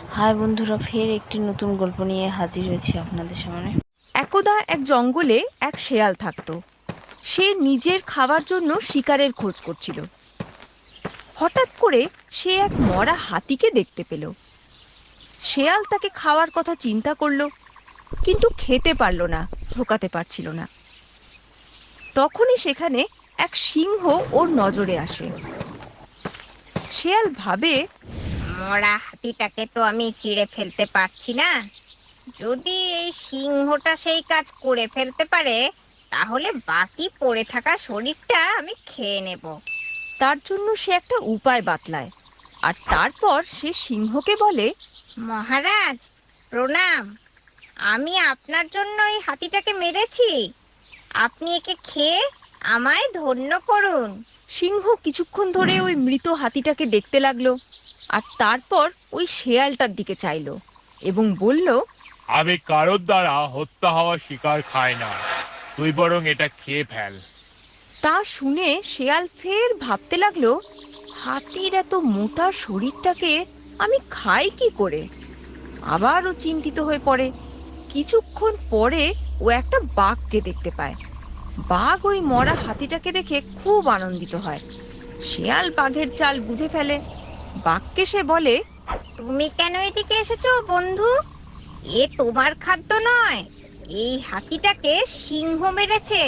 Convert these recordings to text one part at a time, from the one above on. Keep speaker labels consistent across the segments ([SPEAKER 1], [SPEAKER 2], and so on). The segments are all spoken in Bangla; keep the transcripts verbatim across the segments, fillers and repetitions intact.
[SPEAKER 1] হাই বন্ধুরা, ফের একটি নতুন গল্প নিয়ে হাজির হয়েছি আপনাদের সামনে।
[SPEAKER 2] একদা এক জঙ্গলে এক শেয়াল থাকতো। সে নিজের খাবার জন্য শিকারের খোঁজ করছিল। হঠাৎ করে সে এক মরা হাতিকে দেখতে পেল। শেয়াল তাকে খাওয়ার কথা চিন্তা করলো, কিন্তু খেতে পারল না, ঢোকাতে পারছিল না। তখনই সেখানে এক সিংহ ওর নজরে আসে। শেয়াল ভাবে,
[SPEAKER 3] মরা হাতিটাকে তো আমি চিড়ে ফেলতে পারছি না। যদি এই সিংহটা সেই কাজ করে ফেলতে পারে, তাহলে বাকি পড়ে থাকা শরীরটা আমি খেয়ে নেব।
[SPEAKER 2] তার জন্য সে একটা উপায় বাতলায়। আর তারপর সে সিংহকে বলে,
[SPEAKER 3] মহারাজ, প্রণাম। আমি আপনার জন্য এই হাতিটাকে মেরেছি। আপনি একে খেয়ে আমায় ধন্য করুন।
[SPEAKER 2] সিংহ কিছুক্ষণ ধরে ওই মৃত হাতিটাকে দেখতে লাগলো, আর তারপর ওই শেয়ালটার দিকে চাইলো এবং বলল,
[SPEAKER 4] আমি কারোর দ্বারা হত্যা হওয়া শিকার খাই না, তুই বরং এটা খেয়ে ফেল।
[SPEAKER 2] তা শুনে শেয়াল ফের ভাবতে লাগলো, হাতির এত মোটা শরীরটাকে আমি খাই কি করে। আবারও চিন্তিত হয়ে পড়ে। কিছুক্ষণ পরে ও একটা বাঘকে দেখতে পায়। বাঘ ওই মরা হাতিটাকে দেখে খুব আনন্দিত হয়। শেয়াল বাঘের চাল বুঝে ফেলে। বাঘকে সে বলে,
[SPEAKER 3] তুমি কেন এদিকে এসেছো বন্ধু? এ তোমার খাদ্য নয়। এই হাতিটাকে সিংহ মেরেছে,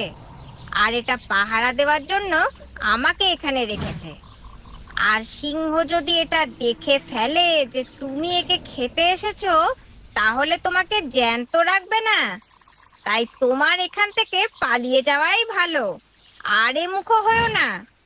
[SPEAKER 3] আর এটা পাহারা দেওয়ার জন্য আমাকে এখানে রেখেছে। আর সিংহ যদি এটা দেখে ফেলে যে তুমি একে খেতে এসেছো, তাহলে তোমাকে জ্যান্ত রাখবে না। তাই তোমার এখান থেকে পালিয়ে যাওয়াই ভালো। আর এ মুখো হয়েও না।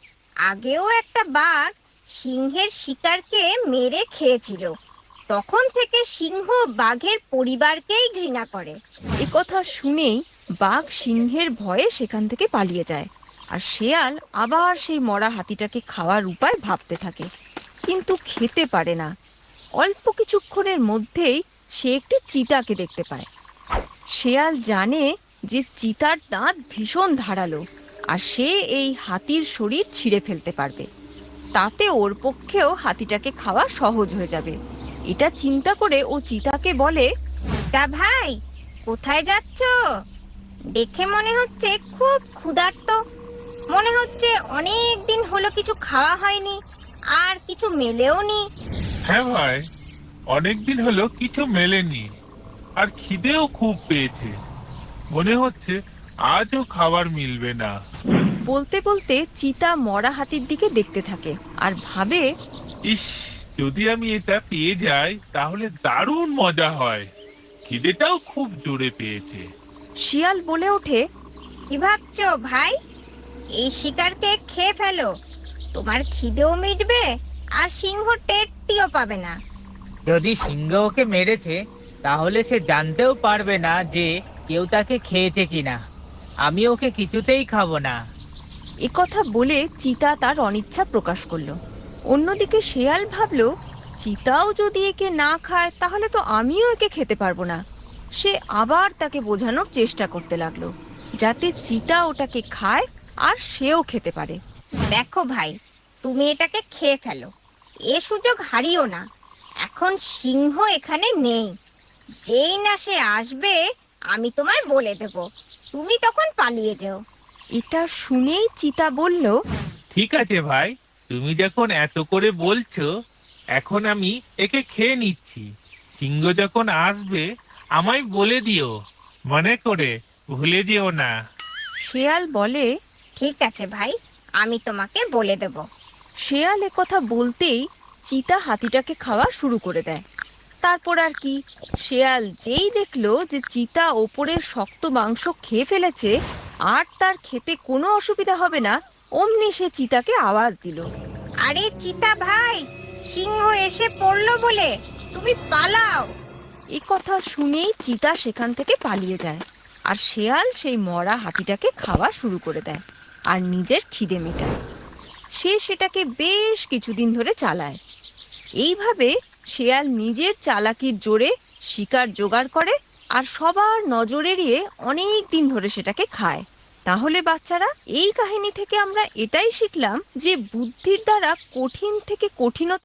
[SPEAKER 3] আগেও একটা বাঘ সিংহের শিকারকে মেরে খেয়েছিল। তখন থেকে সিংহ বাঘের পরিবারকেই ঘৃণা করে।
[SPEAKER 2] এ কথা শুনেই বাঘ সিংহের ভয়ে সেখান থেকে পালিয়ে যায়। আর শেয়াল আবার সেই মরা হাতিটাকে খাওয়ার উপায় ভাবতে থাকে, কিন্তু খেতে পারে না। অল্প কিছুক্ষণের মধ্যেই সে একটি চিতাকে দেখতে পায়। শেয়াল জানে যে চিতার দাঁত ভীষণ ধারালো, আর সে এই হাতির শরীর ছিঁড়ে ফেলতে পারবে। তাতে ওর পক্ষেও হাতিটাকে খাওয়া সহজ হয়ে যাবে। এটা চিন্তা করে ও চিতাকে বলে,
[SPEAKER 3] তা ভাই, কোথায় যাচ্ছো? দেখে মনে হচ্ছে খুব ক্ষুধার্ত। মনে হচ্ছে অনেক দিন হলো কিছু খাওয়া হয়নি, আর কিছু মেলেও নি।
[SPEAKER 4] হ্যাঁ ভাই, অনেকদিন হলো কিছু মেলেনি, আর খিদেও খুব পেয়েছে। মনে হচ্ছে আজও খাবার মিলবে না।
[SPEAKER 2] বলতে বলতে চিতা মরা হাতির দিকে দেখতে থাকে আর ভাবে,
[SPEAKER 4] ইস, যদি আমি এটা পেয়ে যাই তাহলে দারুণ মজা হয়। খিদেটাও খুব জোরে পেয়েছে।
[SPEAKER 2] শিয়াল বলে ওঠে,
[SPEAKER 3] কি ভাবছো ভাই? এই শিকারকে খেয়ে ফেলো। তোমার খিদেও মিটবে, আর সিংহ টেরটিও পাবে না।
[SPEAKER 5] যদি সিংহ ওকে মেরেছে, তাহলে সে জানতেও পারবে না যে কেউ তাকে খেয়েছে কিনা। আমি ওকে কিছুতেই খাবো না।
[SPEAKER 2] এ কথা বলে চিতা তার অনিচ্ছা প্রকাশ করলো। অন্যদিকে শেয়াল ভাবলো, চিতাও যদি একে না খায় তাহলে তো আমিও একে খেতে পারবো না। সে আবার তাকে বোঝানোর চেষ্টা করতে লাগলো, যাতে চিতা ওটাকে খায় আর সেও খেতে পারে।
[SPEAKER 3] দেখো ভাই, তুমি এটাকে খেয়ে ফেলো। এ সুযোগ হারিও না। এখন সিংহ এখানে নেই। যেই না সে আসবে, আমি তোমায় বলে দেব। তুমি তখন পালিয়ে যেও।
[SPEAKER 2] এটা শুনেই চিতা বলল,
[SPEAKER 4] ঠিক আছে ভাই, তুমি যখন এত করে বলছো, এখন আমি একে খেয়ে নিচ্ছি। সিংহ যখন আসবে আমায় বলে দিও, মনে করে ভুলে যেও না।
[SPEAKER 2] শেয়াল বলে,
[SPEAKER 3] ঠিক আছে ভাই, আমি তোমাকে বলে দেব।
[SPEAKER 2] শেয়াল এ কথা বলতেই চিতা হাতিটাকে খাওয়া শুরু করে দেয়। তারপর আর কি, শেয়াল যেই দেখলো যে চিতা ওপরের শক্ত মাংস খেয়ে ফেলেছে আর তার খেতে কোনো অসুবিধা হবে না, অমনি সে চিতাকে আওয়াজ দিল।
[SPEAKER 3] আরে চিতা ভাই, সিংহ এসে পড়লো বলে তুমি পালাও।
[SPEAKER 2] এই কথা শুনেই চিতা সেখান থেকে পালিয়ে যায়, আর শেয়াল সেই মরা হাতিটাকে খাওয়া শুরু করে দেয় আর নিজের খিদে মেটায়। সে সেটাকে বেশ কিছুদিন ধরে চালায়। এইভাবে শেয়াল নিজের চালাকির জোরে শিকার জোগাড় করে আর সবার নজর এড়িয়ে অনেক দিন ধরে সেটাকে খায়। তাহলে বাচ্চারা, এই কাহিনী থেকে আমরা এটাই শিখলাম যে বুদ্ধির দ্বারা কঠিন থেকে কঠিনতর